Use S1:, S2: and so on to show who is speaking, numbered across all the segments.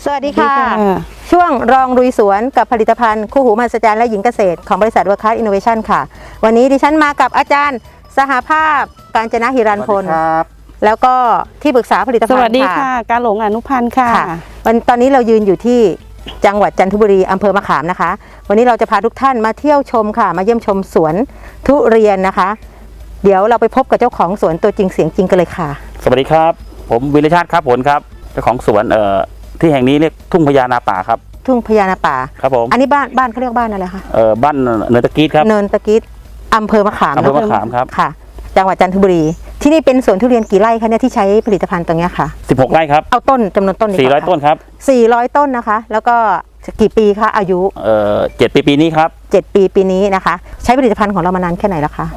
S1: สวัสดีค่ะช่วงรองลุยสวนกับผลิตภัณฑ์คู่หูมหัศจรรย์และหญิงเกษตรของบริษัทเวิร์คคลาสอินโนเวชั่นค่ะวันนี้ดิฉันมากับอาจารย์สหภาพกาญจนหิรันพลแล้วก็ที่ปรึกษาผลิตภัณฑ์
S2: สวัสดีค่ะการหลงอนุพันธ์ค่ะ
S1: ตอนนี้เรายืนอยู่ที่จังหวัดจันทบุรีอำเภอมะขามนะคะวันนี้เราจะพาทุกท่านมาเที่ยวชมค่ะมาเยี่ยมชมสวนทุเรียนนะคะเดี๋ยวเราไปพบกับเจ้าของสวนตัวจริงเสียงจริงกันเลยค่ะ
S3: สวัสดีครับผมวิรชาติครับผลครับเจ้าของสวนที่แห่งนี้เรียกทุ่งพญานาป่าครับ
S1: ทุ่งพญานาป่า
S3: ครับผม
S1: อันนี้บ้านเขาเรียกบ้านอะไรคะ
S3: บ้านเนินตะกี้ครับ
S1: เนินตะกี้อำเภอมะขาม
S3: ครับ
S1: ค่ะจังหวัดจันทบุรีที่นี่เป็นสวนทุเรียนกี่ไร่คะเนี่ยที่ใช้ผลิตภัณฑ์ตรงนี้ค่ะ
S3: 16 ไร่ครับ
S1: เอาต้นจำนวนต้น
S3: 400 ต้นครับ
S1: 400 ต้นนะคะแล้วก็กี่ปีคะอายุ
S3: 7 ปีนี้ครับ
S1: 7 ปีนี้นะคะใช้ผลิตภัณฑ์ของเรามานานแค่ไหนแล้วคะ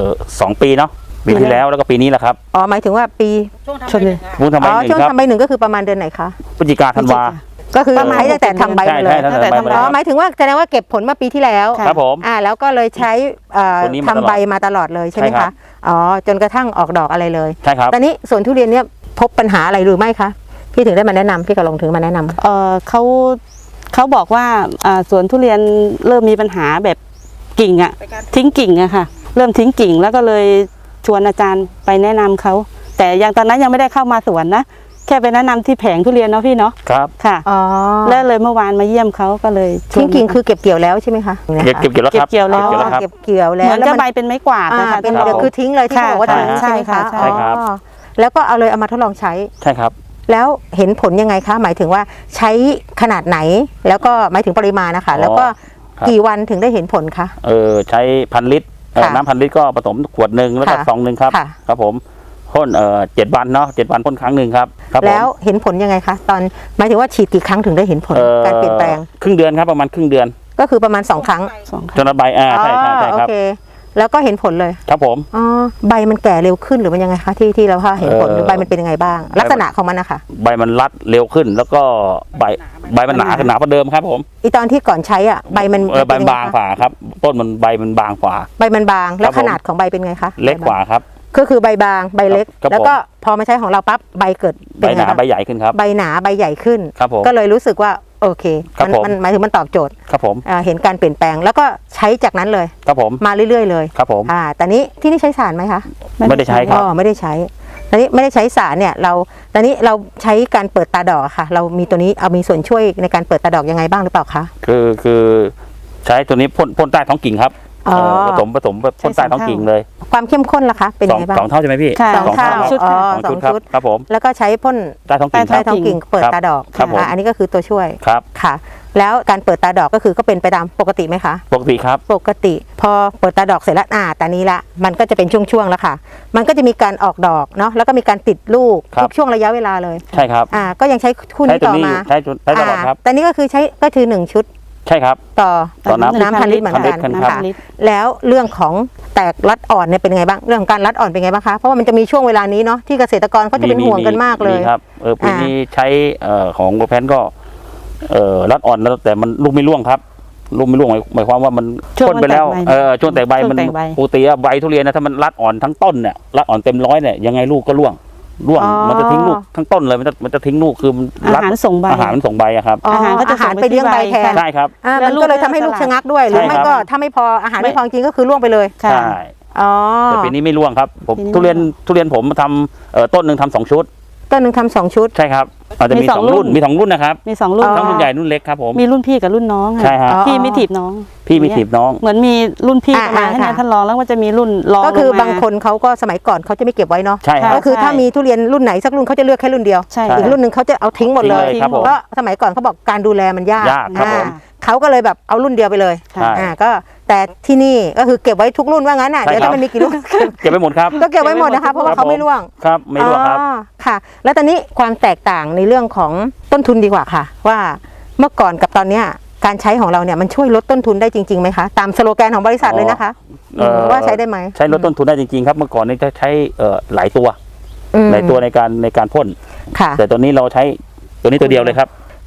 S3: 2 ปีเนาะปีที่แล้วแล้วก็ปีนี้แหละครับ
S1: อ๋อหมายถึงว่าปี
S3: ช่วงทำใบหนึ่งครับ
S1: ช่วงทำใบหนึ่งก็คือประมาณเดือนไหนคะ
S3: พฤศจิกาธันวา
S1: ก็คือใช้ตั้งแต่ทำใบเลย
S3: อ๋อ
S1: หมายถึงว่าแสดงว่าเก็บผลมาปีที่แล้ว
S3: ครับผม
S1: แล้วก็เลยใช้ทำใบมาตลอดเลยใช่ไหมคะอ๋อจนกระทั่งออกดอกอะไรเลย
S3: ใช่ครับ
S1: ตอนนี้สวนทุเรียนเนี่ยพบปัญหาอะไรหรือไม่คะพี่ถึงได้มาแนะนำพี่กระลงถึงมาแนะน
S2: ำเขาบอกว่าสวนทุเรียนเริ่มมีปัญหาแบบกิ่งทิ้งกิ่งค่ะเริ่มทิ้งกิ่งแล้วก็เลยชวนอาจารย์ไปแนะนำเขาแต่ยังตอนนั้นยังไม่ได้เข้ามาสวนนะแค่ไปแนะนำที่แผงทุเรียนเนาะพี่เนาะ
S3: ครับ
S2: ค่ะแล้วเลยเมื่อวานมาเยี่ยมเขาก็เลย
S1: ทิ้งกิ่งคือเก็บเกี่ยวแล้วใช่ไหมคะ
S3: เก็บเกี่ยวแล้วครับ
S1: เก็บเกี่ยวแล้วเห
S2: มือนจะใบเป็นไม้กวาดนะคะ
S1: เป็นเดี๋ยวคือทิ้งเลยที่บอกว่าทิ้งใช่ไหมคะ
S3: ใช่ครับ
S1: แล้วก็เอามาทดลองใช้
S3: ใช่ครับ
S1: แล้วเห็นผลยังไงคะหมายถึงว่าใช้ขนาดไหนแล้วก็หมายถึงปริมาณนะคะแล้วก็กี่วันถึงได้เห็นผลคะ
S3: ใช้1,000 ลิตรน้ำ1,000 ลิตรก็ผสมขวดหนึ่งแล้วก็ซองหนึ่งครับครับผมพ่น7 วันเนาะ7 วันพ่นครั้งหนึ่งครับ
S1: แล้วเห็นผลยังไงคะตอนหมายถึงว่าฉีดกี่ครั้งถึงได้เห็นผลการเปลี่ยนแปลง
S3: ครึ่งเดือนครับประมาณครึ่งเดือน
S1: ก็คือประมาณ2 ครั้ง
S3: จนใบใช่ครับ
S1: โอเคแล้วก็เห็นผลเลย
S3: ครับผม
S1: ใบมันแก่เร็วขึ้นหรือมันยังไงคะที่เราเห็นผลใบมันเป็นยังไงบ้างลักษณะของมันนะคะ
S3: ใบมันรัดเร็วขึ้นแล้วก็ใบมันหนาขึ้นหนากว่าเดิมครับผม
S1: ตอนที่ก่อนใช้ใบมัน
S3: บางฝ่าครับต้นมันใบมันบางฝ่า
S1: ใบมันบางแล้วขนาดของใบเป็นไงคะ
S3: เล็กกว่าครับ
S1: ก็คือใบบางใบเล็กแล้วก็พอมาใช้ของเราปั๊บใบเกิด
S3: ใบหนาใบใหญ่ขึ้นครับ
S1: ใบหนาใบใหญ่ขึ้นก็เลยรู้สึกว่าโอเคมันหมายถึงมันตอบโจทย์
S3: ครับผม
S1: เห็นการเปลี่ยนแปลงแล้วก็ใช้จากนั้นเลย
S3: ครับผม
S1: มาเรื่อยๆเลย
S3: ครับผม
S1: แต่นี้ที่นี่ใช้สารไหมคะ
S3: ไม่ได้ใช้ครับ
S1: ไม่ได้ใช้ตอนนี้ไม่ได้ใช้สารเนี่ยตอนนี้เราใช้การเปิดตาดอกค่ะเรามีตัวนี้มีส่วนช่วยในการเปิดตาดอกยังไงบ้างหรือเปล่าคะ
S3: คือใช้ตัวนี้พ่นใต้ท้องกิ่งครับผสมพ่นใต้ท้องกิ่งเลย
S1: ความเข้มข้นล่ะคะเป็นยังไงบ้าง
S3: 2 เท่าใช่ไหมพี่
S1: 2 เท่า2 ชุด
S3: ครับผม
S1: แล้วก็ใช้พ่น
S3: ใต้ท้อง
S1: กิ่งเปิดตาดอกอันนี้ก็คือตัวช่วย
S3: ครับ
S1: ค่ะแล้วการเปิดตาดอกก็คือก็เป็นไปตามปกติไหมคะ
S3: ปกติครับ
S1: ปกติพอเปิดตาดอกเสร็จแล้วตอนนี้ละมันก็จะเป็นช่วงๆแล้วค่ะมันก็จะมีการออกดอกเนาะแล้วก็มีการติดลูกทุกช่วงระยะเวลาเลย
S3: ใช่ครับ
S1: ก็ยังใช้คู่นี้ต่อมา
S3: ใช้ตลอดครับ
S1: แต่นี้ก็คือใช้ก็คือ1 ชุด
S3: ใช่ครับ
S1: ต่อน้ำ1,000 ลิตรเหมือนกันนะคะแล้วเรื่องของแตกรัดอ่อนเนี่ยเป็นไงบ้างเรื่องการรัดอ่อนเป็นไงบ้างคะเพราะว่ามันจะมีช่วงเวลานี้เนาะที่เกษตรกรเขาจะเป็นห่วงกันมากเลย
S3: ครับปีนี้ใช้ของโกแพนก็รัดอ่อนแล้วแต่มันลูกไม่ร่วงครับลูกไม่ร่วงหมายความว่ามันพ่นไปแล้วช่วงแตกใบมันปกติใบทุเรียนนะถ้ามันรัดอ่อนทั้งต้นเนี่ยรัดอ่อนเต็ม100เนี่ยยังไงลูกก็ร่วงมันจะทิ้งลูกทั้งต้นเลยมันจะทิ้งลูกคือ
S2: อาหารส่งใบ
S3: ครับ
S1: อาหารไปเลี้ยงใบแทน
S3: ใช่ครับ
S1: มันก็เลยทำให้ลูกชะงักด้วยหรือไม่ก็ถ้าไม่พออาหารไม่พอจริงก็คือร่วงไปเลย
S3: ใช่แต่ปีนี้ไม่ร่วงครับผมทุเรียนผมทำต้นหนึ่งทำ2 ชุด
S1: ต้นหนึ่งทำ2 ชุด
S3: ใช่ครับอาจจะมี2 รุ่นนะครับ
S2: มี2 รุ่น
S3: ทั้งรุ่นใหญ่รุ่นเล็กครับผม
S2: มีรุ่นพี่กับรุ่นน้อง
S3: ใช่ครับ
S2: พี่ไม่ถีบน้อง
S3: เห
S2: มือนมีรุ่นพี่มาให้ท่านรองแล้วก็จะมีรุ่นรอง
S1: ก็คือบางคนเขาก็สมัยก่อนเขาจะไม่เก็บไว้เนาะก็คือถ้ามีทุเรียนรุ่นไหนสักรุ่นเขาจะเลือกแค่รุ่นเดียวอีกรุ่นหนึ่งเขาจะเอาทิ้งหมดเลยเพราะสมัยก่อนเขาบอกการดูแลมันยากเขาก็เลยแบบเอารุ่นเดียวไปเลยก็แต่ที่นี่ก็คือเก็บไว้ทุกรุ่นว่างั้นเดี๋ยวถ้ามันมีกี่รุ่น
S3: เก็บไว้หมดครับ
S1: ก็เก็บไว้หมดนะคะเพราะว่าเขาไม่ร่วง
S3: ครับไม่ร่วงครับ
S1: ค่ะแล้วตอนนี้ความแตกต่างในเรื่องของต้นทุนดีกว่าค่ะว่าเมื่อก่อนกับตอนเนี้ยการใช้ของเราเนี่ยมันช่วยลดต้นทุนได้จริงๆไหมคะตามสโลแกนของบริษัทเลยนะคะว่าใช้ได้ไหม
S3: ใช้ลดต้นทุนได้จริงๆครับเมื่อก่อนนี่จะใช้หลายตัวในการพ่นแต่ตอนนี้เราใช้ตัวนี้ตัวเดียวเลยครับ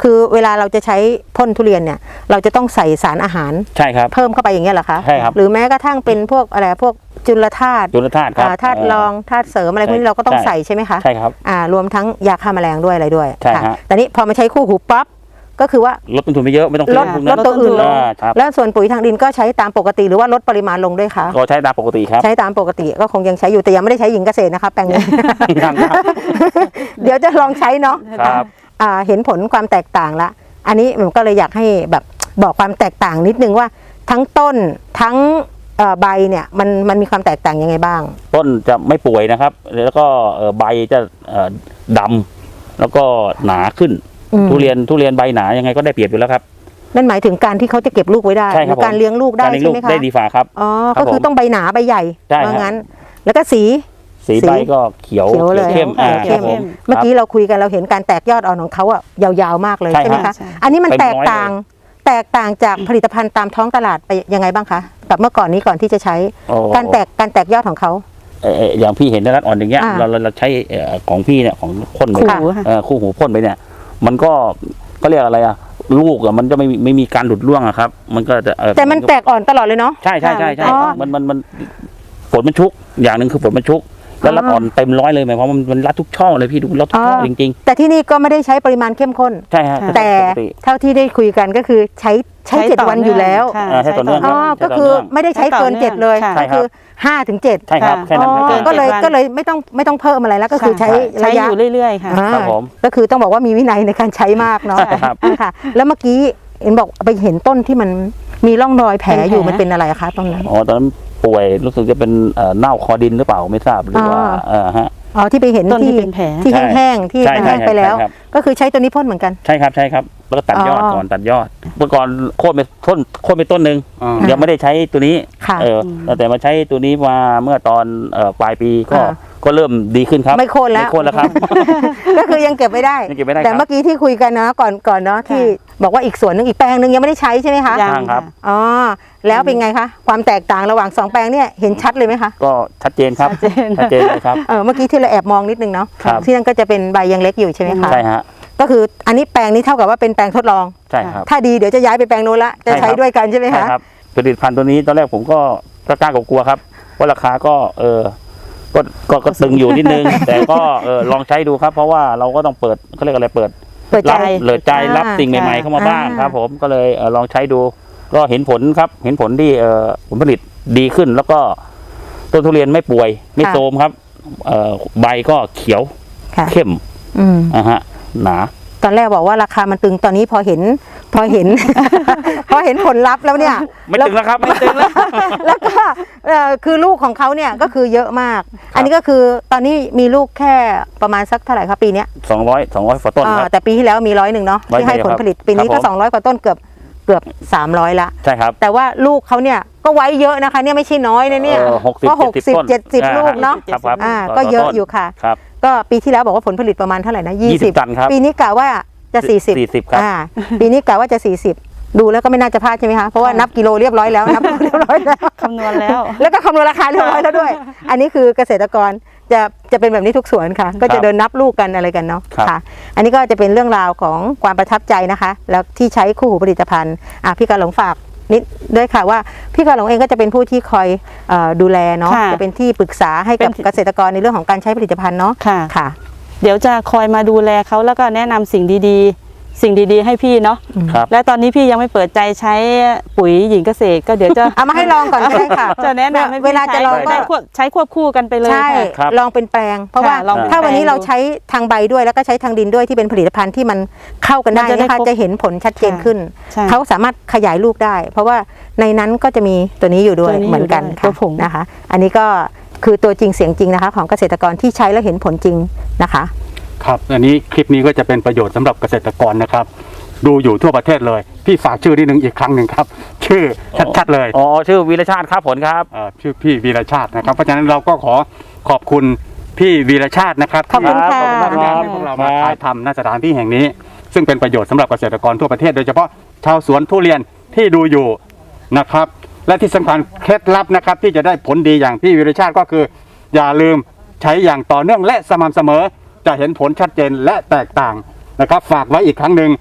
S1: คือเวลาเราจะใช้พ่นทุเรียนเนี่ยเราจะต้องใส่สารอาหาร
S3: ใช่ครับ
S1: เพิ่มเข้าไปอย่างเงี้ยเหรอคะ
S3: ใช่ครับ
S1: หรือแม้กระทั่งเป็นพวกอะไรพวกจุลธาตุ
S3: ครับ
S1: ธาตุรองธาตุเสริมอะไรพวกนี้เราก็ต้องใส่ใช่ไหมคะ
S3: ใช่ครับ
S1: รวมทั้งยาฆ่าแมลงด้วยอะไรด้วย
S3: ใช่
S1: ค่ะ
S3: ฮะ
S1: แต่นี้พอมาใช้คู่หูปั๊บก็คือว่า
S3: ลดต้นทุนไปเยอะไม่ต้อง
S1: ลด
S3: พวก
S1: ล
S3: นั้
S1: ด
S3: น
S1: ตัวอื่นลง
S3: ครับ
S1: แล้วส่วนปุ๋ยทางดินก็ใช้ตามปกติหรือว่าลดปริมาณลงด้วยคะ
S3: ก็ใช้ตามปกติครับ
S1: ใช้ตามปกติก็คงยังใช้อยู่แต่ยังไม่ได้ใช้หญิงเกษตรนะคะแปลงนี้
S3: ครับครับ
S1: เดี๋ยวจะลองใช้เนาะ
S3: ครับ
S1: เห็นผลความแตกต่างละอันนี้ผมก็เลยอยากให้แบบบอกความแตกต่างนิดนึงว่าทั้งต้นทั้งใบเนี่ยมันมีความแตกต่างยังไงบ้าง
S3: ต้นจะไม่ป่วยนะครับ แล้วก็ใบจะดำแล้วก็หนาขึ้น ทุเรียนใบหนายังไงก็ได้เปรียบอยู่แล้วครับ
S1: นั่นหมายถึงการที่เขาจะเก็บลูกไว้ได้
S3: ใช่
S1: ห
S3: ครั
S1: รื
S3: บ
S1: การเลี้ยงลูกได้
S3: การเลี้ยง
S1: ใช่
S3: ลูก
S1: ไหมคะ
S3: ได้ดีฝ่าครับ
S1: อ๋อ
S3: ครั
S1: ก็
S3: บ
S1: คือต้องใบหนาใบใหญ่
S3: ใช่ครับ
S1: ว่างั้น แล้วก็สี
S3: สีใบก็เขียว
S1: เขียวเลย
S3: เข้ม
S1: เข้ม
S3: ครับผม
S1: เมื่อกี้เราคุยกันเราเห็นการแตกยอดอ่อนของเขาอะยาวๆมากเลย
S3: ใช่
S1: ใช่ไหม
S3: ครั
S1: คะ
S3: บ
S1: อันนี้มัน
S3: เต็มร้อย
S1: แตกต่างจากผลิตภัณฑ์ตามท้องตลาดไปยังไงบ้างคะกับเมื่อก่อนนี้ก่อนที่จะใช้
S3: โอ้
S1: การแตกยอดของเขา
S3: อย่างพี่เห็นในรัดอ่อนอย่างเงี้ย
S1: อ่า
S3: เราใช้ของพี่เนี่ยของพ่นไป
S2: คู่หูค่ะ
S3: คู่หูพ่นไปเนี่ย มันก็เรียกอะไรอะลูกอะมันจะไม่มีการหลุดร่วงอะครับ มันก็จะ
S1: แต่มันแตกอ่อนตลอดเลยเนาะ
S3: ใช่
S1: อ๋อ
S3: มันฝนมันชุกอย่างหนึ่งคือฝนมันชุก แล้วรัดอ่อนเต็มร้อยเลยหมายความว่ามันรัดทุกช่อเลยพี่ดูรัดทุกช่อจริง
S1: แต่ที่นี่ก็ไม่ได้ใช้ปริมาณเข้มข้น
S3: ๆ ใช่ฮะ
S1: แต่
S3: ปกติ
S1: เท่าที่ได้คุยกันก็คือใช้7 วันอยู่แล้ว
S2: ค่ะ
S3: ใช้ต่อเนื่อง
S1: อ๋อ
S3: ใช้ต่อเนื่อง
S1: ก็คือไม่ได้ใช้เกิน 7 เลย
S2: ใช่
S1: ก็คือ5 ถึง 7
S3: ใช่ครับ
S2: ค่ะ
S3: แค่นั้นครับ
S2: อ๋อ
S1: ก็เลย
S2: 7 วัน
S1: ก็เลยไม่ต้องเพิ่มอะไรแล้วก็คือใช้
S2: ใช้
S1: ระยะ
S2: อยู่เรื่อยๆค่ะ
S3: ครับผม
S1: ก็คือต้องบอกว่ามีวินัยในการใช้มากเนาะ
S3: ใช่ครับ
S1: ค่ะ แล้วเมื่อกี้เห็นบอกไปเห็นต้นที่มันมีร่องรอยแผลอยู่มันเป็นอะไรคะตรงนั้น
S3: อ๋อตอนนั้นป่วยรู้สึกจะเป็นเน่าคอดินหรือเปล่าไม่ทราบหรือว่าฮะ
S1: อ๋อที่ไปเห็น
S2: ต้นที่เป็นแผล
S1: ที่
S3: ใช่
S1: แห้งๆที่
S3: ใช่
S1: แห้งไปแล้ว
S3: ใช่ครับ
S1: ก็คือใช้ตัวนี้พ่นเหมือนกัน
S3: ใช่ครับแล้วก็ตัดยอด
S1: อ๋อ
S3: ก่อนตัดยอดเมื่อก่อนโค่นไปต้นหนึ่ง
S4: อ่า
S3: ยังไม่ได้ใช้ตัวนี้
S1: ค่ะ
S3: แต่มาใช้ตัวนี้มาเมื่อตอนปลายปีก็
S1: อ่า
S3: ก็เริ่มดีขึ้นครับ
S1: ไม่โค่นแล้ว
S3: ไม่โค่นแล้วครับ
S1: ก็คือยังเก็บไม่ได้
S3: ยังเก็บไม่ได้
S1: แต่
S3: ครับ
S1: เมื่อกี้ที่คุยกันนะก่อนเนาะที่บอกว่าอีกส่วนหนึงอีกแปลงหนึงยังไม่ได้ใช้ใช่ไหมคะ
S2: ยัง
S3: ทางครับ
S1: อ๋อแล้วเป็นไงคะความแตกต่างระหว่าง2 แปลงเนี่ยเห็นชัดเลยไหมคะ
S3: ก็ชัดเจนครับ
S2: ชัดเจน
S3: ชัดเจนเลยครับ
S1: เมื่อกี้ที่เราแอบมองนิดนึงเนาะ
S3: ครับ
S1: ที่นั่นก็จะเป็นใบยังเล็กอยู่ใช่ไหมคะ
S3: ใช่ฮะ
S1: ก็คืออันนี้แปลงนี้เท่ากับว่าเป็นแปลงทดลอง
S3: ใช่ครับ
S1: ถ้าดีเดี๋ยวจะย้ายไปแปลงโน้นละจะ
S3: ใช่ครับ
S1: ใช้ด้วยกันใช่ไหม
S3: ใช่
S1: คะ
S3: ครับผลิตภัณฑ์ตัวนี้ตอนแรกผมก็กล้ากลัวๆครับว่าราคาก็ก็ตึงอยู่นิดนึง แต่ก็ลองใช้ดูครับ เพราะว่าเราก็ต้องเปิดเขาเรียกอะไรเปิด
S1: เปิดใจ
S3: รับสิ่งใหม่ๆเข้ามาบ้าง
S1: อ่า
S3: ครับ ผมก็เลยลองใช้ดู ก็เห็นผลครับ เห็นผลที่ผลผลิตดีขึ้น แล้วก็ต้นทุเรียนไม่ป่วยไม่โทรมครับใบก็เขียว
S1: ค่ะ
S3: เข้ม
S1: อืม
S3: ฮะหนา
S1: ตอนแรกบอกว่าราคามันตึงตอนนี้พอเห็น พอเห็น ผลลัพธ์แล้วเนี่ย
S3: ไม่ตึงแล้วครับไม่ตึงแล้ว
S1: แล้วก็คือลูกของเขาเนี่ยก็คือเยอะมาก อันนี้ก็คือตอนนี้มีลูกแค่ประมาณสักเท่าไหร่ครับปีเนี้ย
S3: 200กว่าต้นครับ
S1: แต่ปีที่แล้วมี101เนาะที่ให้ผลผลิต
S3: 100
S1: ปีนี้ก็
S3: ครับผม
S1: 200 กว่าต้นเกือบ300ละ
S3: ใช่ครับ
S1: แต่ว่าลูกเขาเนี่ยก็ไว้เยอะนะคะเนี่ยไม่ใช่น้อยนะเนี่ย
S3: 60
S1: ก็
S3: 70ต้น
S1: 60-70 ลูกเนาะ
S3: ครับ
S1: ก็เยอะอยู่ค่ะ
S3: ครับ
S1: ก็ปีที่แล้วบอกว่าผลผลิตประมาณเท่าไหร่นะ
S3: 20 ตันครับ
S1: ปีนี้กะว่าจะ40
S3: ครับ
S1: ปีนี้กะว่าจะ40ดูแล้วก็ไม่น่าจะพลาดใช่ไหมคะเพราะว่านับกิโลเรียบร้อยแล้วนับกิโลเรียบร้อยแล้ว
S2: คำนวณแล้ว
S1: แล้วก็คำนวณราคาเรียบร้อยแล้วด้วย อันนี้คือเกษตรกรจะเป็นแบบนี้ทุกสวนค่ะ ก็จะเดินนับลูกกันอะไรกันเนาะ
S3: ครับ
S1: ค่ะ อันนี้ก็จะเป็นเรื่องราวของความประทับใจนะคะ แล้วที่ใช้คู่หูผลิตภัณฑ์พี่กาหลงฝากนิดด้วยค่ะว่าพี่กาหลงเองก็จะเป็นผู้ที่คอยดูแลเนาะ
S2: ค่ะ
S1: จะเป็นที่ปรึกษาให้กับ
S2: เป็น
S1: เกษตรกรในเรื่องของการใช้ผลิตภัณฑ์เนาะ
S2: ค่ะ
S1: ค่ะ
S2: เดี๋ยวจะคอยมาดูแลเขาแล้วก็แนะนำสิ่งดีๆให้พี่เนาะ
S3: ครับ
S2: และตอนนี้พี่ยังไม่เปิดใจใช้ปุ๋ยหญิงเกษตรก็เดี๋ยวจะ
S1: เอามาให้ลองก่อนก็ได้ค่ะ
S2: จะแนะนำให้พี่
S1: เวลาจะลองก็
S2: ใช้ควบคู่กันไปเลย
S1: ใช่
S2: ค่ะ
S3: ครับ
S1: ลองเป็นแปลง เพราะว่า
S2: ค่ะลองเป็น
S1: ถ้าวันนี้
S2: แปลง
S1: เราใช้ทางใบด้วยแล้วก็ใช้ทางดินด้วยที่เป็นผลิตภัณฑ์ที่มันเข้ากันได้
S2: มันจะได้
S1: นะคะ
S2: ครบ
S1: จะเห็นผลชัดเจนขึ้น
S2: ใช่
S1: เขาสามารถขยายลูกได้ เพราะว่าในนั้นก็จะมีตัวนี้อยู่ด้วย
S2: ตัวนี้
S1: เหมือนกัน
S2: อยู่ด้วย
S1: ค่ะ
S2: ตัวผง
S1: นะคะ อันนี้ก็คือตัวจริงเสียงจริงนะคะ ของเกษตรกรที่ใช้แล้วเห็นผลจริงนะคะ
S4: ครับอันนี้คลิปนี้ก็จะเป็นประโยชน์สำหรับเกษตรกรนะครับ ดูอยู่ทั่วประเทศเลย พี่ฝากชื่อนิดนึงอีกครั้งหนึ่งครับ ชื่อชัดๆเลย
S3: อ๋อชื่อวีรชาติครับผลครับ
S4: ชื่อพี่วีรชาตินะครับ เพราะฉะนั้นเราก็ขอบคุณพี่วีรชาตินะครับ
S1: ขอบคุณค่ะ
S4: ที่อนุญาตให้พวกเรามาถ่ายทำณสถานที่แห่งนี้ ซึ่งเป็นประโยชน์สำหรับเกษตรกรทั่วประเทศโดยเฉพาะชาวสวนทุเรียนที่ดูอยู่นะครับ และที่สำคัญเคล็ดลับนะครับที่จะได้ผลดีอย่างพี่วีรชาติก็คือ อย่าลืมใช้อย่างต่อเนื่องและสม่ำเสมอจะเห็นผลชัดเจนและแตกต่างนะครับ ฝากไว้อีกครั้งหนึ่ง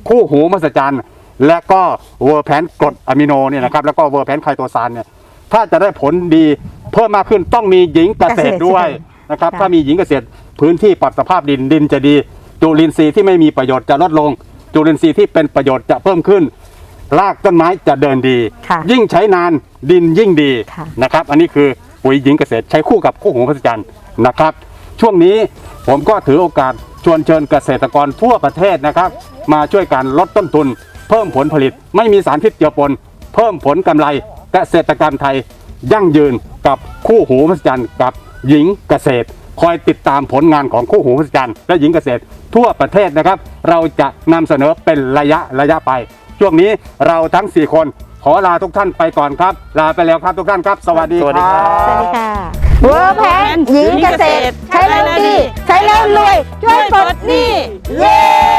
S4: คู่หูมหัศจรรย์และก็เวอร์แพนกรดอะมิโนเนี่ยนะครับแล้วก็เวอร์แพนไคโตซานเนี่ยถ้าจะได้ผลดีเพิ่มมากขึ้นต้องมีหญิงเกษตรด้วยนะครับถ้ามีหญิงเกษตรพื้นที่ปรับสภาพดินจะดีจุลินทรีย์ที่ไม่มีประโยชน์จะลดลงจุลินทรีย์ที่เป็นประโยชน์จะเพิ่มขึ้นรากต้นไม้จะเดินดียิ่งใช้นานดินยิ่งดีนะครับอันนี้คือปุ๋ยหญิงเกษตรใช้คู่กับคู่หูมหัศจรรย์นะครับช่วงนี้ผมก็ถือโอกาสชวนเชิญเกษตรกรทั่วประเทศนะครับมาช่วยกันลดต้นทุนเพิ่มผลผลิตไม่มีสารพิษเจือปนเพิ่มผลกำไรเกษตรกรรมไทยยั่งยืนกับคู่หูมหัศจรรย์กับหญิงเกษตรคอยติดตามผลงานของคู่หูมหัศจรรย์และหญิงเกษตรทั่วประเทศนะครับเราจะนำเสนอเป็นระยะไปช่วงนี้เราทั้ง4คนขอลาทุกท่านไปก่อนครับลาไปแล้วครับทุกท่านครับสวัสดีครับ
S1: สวัสดีค่ะเวอร์แพนหญิงเกษตรใช้แล้วดีใช้แล้วรวยช่วยปลดหนี้เย้